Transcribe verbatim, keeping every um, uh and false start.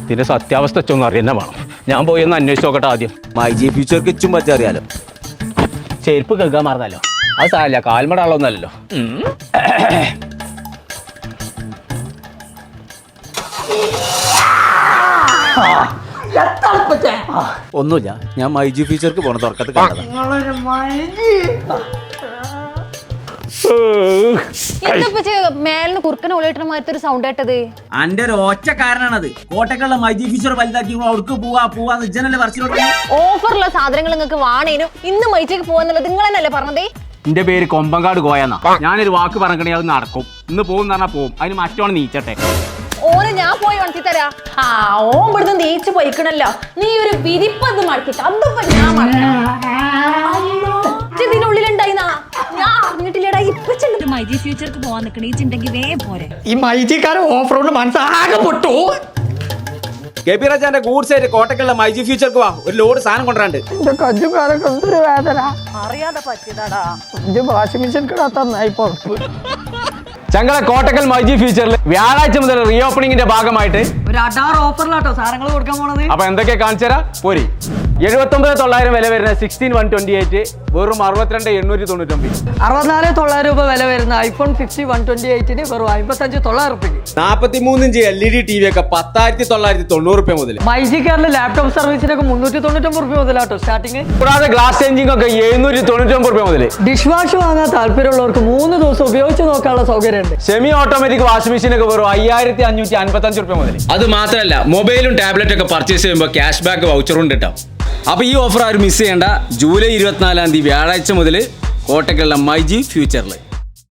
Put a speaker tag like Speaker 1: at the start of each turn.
Speaker 1: ഇതിന്റെ സത്യാവസ്ഥ വെച്ചൊന്നും അറിയാൻ വേണം. ഞാൻ പോയി ഒന്ന് അന്വേഷിച്ച് നോക്കട്ടെ ആദ്യം.
Speaker 2: മൈജി ഫ്യൂച്ചർക്ക് ഇച്ചും പറ്ററിയാലോ.
Speaker 1: ചെരുപ്പ് കേൾക്കാൻ മറന്നല്ലോ. അത് സാരല്ല, കാൽമടാളൊന്നല്ലോ.
Speaker 2: ഒന്നുമില്ല, ഞാൻ മൈജി ഫ്യൂച്ചർക്ക് പോണ തുറക്കത്ത് കണ്ടതാ.
Speaker 3: മേലിന് കുറുക്കനെ ഒളിയിട്ട മാറ്റ ഒരു സൗണ്ട് കേട്ടത്
Speaker 2: അന്റെ ഒരു ഒറ്റ കാരണാണത്. കോട്ടക്കുള്ള മൈജി ഫ്യൂച്ചർ വലുതാക്കി അവർക്ക് പോവാ പോവാന്ന് ഇജ്ജനല്ലേ പറിച്ചിലോട്ട്.
Speaker 3: ഓഫറുള്ള സാധനങ്ങൾ നിങ്ങൾക്ക് വാണേനും ഇന്ന് മൈജയ്ക്ക് പോവാന്നുള്ളത് നിങ്ങൾ തന്നെയല്ലേ പറഞ്ഞതേ.
Speaker 1: എന്റെ പേര് കൊമ്പങ്കാട് കോയെന്നാ. ഞാനൊരു വാക്ക് പറഞ്ഞേ അത് നടക്കും. ഇന്ന് പോകും പറഞ്ഞാൽ പോകും. അതിന് മറ്റോണ് നീച്ചട്ടെ.
Speaker 3: ഓന് ഞാൻ പോയി ഉണർത്തി തരാ. ആ ഓൻ ഇവിടുന്ന് നീച്ച് പോയിക്കണല്ലോ. നീ ഒരു വിരിപ്പത് മടക്കിട്ട് അതിപ്പോ ഞാൻ ഇതിനുള്ളിലുണ്ടായിന്നാ ഞാൻ അറിഞ്ഞിട്ടില്ലടാ. ഇപ്പൊ
Speaker 4: മൈജി ഫ്യൂച്ചർക്ക് പോവാൻ നിക്കണീച്ചുണ്ടെങ്കിൽ വേ പോരെ.
Speaker 5: ഈ മൈജിക്കാരൻ ഓഫർ കൊണ്ട് മനസ്സാകെ പൊട്ടു.
Speaker 2: കെ പി രാജാന്റെ ഗൂഡ്സ് ആയിട്ട് കോട്ടക്കുള്ള മൈജി ഫ്യൂച്ചർക്ക് വാ, ഒരു ലോഡ് സാധനം കൊണ്ടുവരാണ്ട്.
Speaker 5: എന്റെ കജ്ജുകാരൊക്കെ എന്തൊരു വേദന.
Speaker 3: അറിയാതെ പറ്റിയതാടാ.
Speaker 5: വാഷിംഗ് മെഷീൻ കിടാത്ത പൊറപ്പ്.
Speaker 1: ചങ്ങള കോട്ടക്കൽ മൈജി ഫ്യൂച്ചറിൽ വ്യാഴാഴ്ച മുതൽ റീ ഓപ്പണിംഗിന്റെ ഭാഗമായിട്ട്
Speaker 5: ഒരു അടാർ ഓഫറിലാട്ടോ സാധനങ്ങൾ കൊടുക്കാൻ പോണത്.
Speaker 1: അപ്പൊ എന്തൊക്കെയാ കാണിച്ചു തരാം പോരി. എഴുപത്തി ഒമ്പത് തൊള്ളായിരം വില വരുന്ന സിക്സ്റ്റീൻ വൺ ട്വന്റി എയ്റ്റ് വെറും അറുപത്തിരണ്ട് എണ്ണൂറ്റി തൊണ്ണൂറ്റൊമ്പത്.
Speaker 5: അറുപത്തിനാല് തൊള്ളായിരം രൂപ വില വരുന്ന ഐഫോൺ ഫിഫ്റ്റി വൺ ട്വന്റി എയ്റ്റിന് വെറും അമ്പത്തഞ്ച് തൊള്ളായിരം റുപ്യക്ക്.
Speaker 2: നാപ്പത്തി മൂന്നിഞ്ച് L E D T V ഒക്കെ പത്തായിരത്തി തൊള്ളായിരത്തി തൊണ്ണൂറ് റുപ്യ മുതൽ.
Speaker 5: മൈജിക്കാരിലെ ലാപ്ടോപ്പ് സർവീസിനൊക്കെ മുന്നൂറ്റി തൊണ്ണൂറ്റൊമ്പത് റുപ്യ മുതലാട്ടോ സ്റ്റാർട്ടിങ്.
Speaker 1: കൂടാതെ ഗ്ലാസ് ചേഞ്ചിങ് ഒക്കെ എഴുന്നൂറ്റി തൊണ്ണൂറ്റൊമ്പത് റുപ്യ മുതൽ.
Speaker 5: ഡിഷ് വാഷ് വാങ്ങാൻ താല്പര്യമുള്ളവർക്ക് മൂന്ന് ദിവസം ഉപയോഗിച്ച് നോക്കാനുള്ള സൗകര്യമുണ്ട്.
Speaker 1: സെമി ഓട്ടോമാറ്റിക് വാഷിംഗ് മെഷീൻ ഒക്കെ വെറും അയ്യായിരത്തി അഞ്ഞൂറ്റി അൻപത്തി അഞ്ച് റുപ്യ മുതൽ. അത് മാത്രമല്ല, മൊബൈലും ടാബ്ലറ്റ് ഒക്കെ പർച്ചേസ് ചെയ്യുമ്പോൾ ക്യാഷ് ബാക്ക് വൗച്ചറും ഉണ്ട് കേട്ടോ. അപ്പൊ ഈ ഓഫർ ആരും മിസ് ചെയ്യേണ്ട. ജൂലൈ ഇരുപത്തിനാലാം തീയതി വ്യാഴാഴ്ച മുതൽ കോട്ടക്കുള്ള മൈജി ഫ്യൂച്ചറിൽ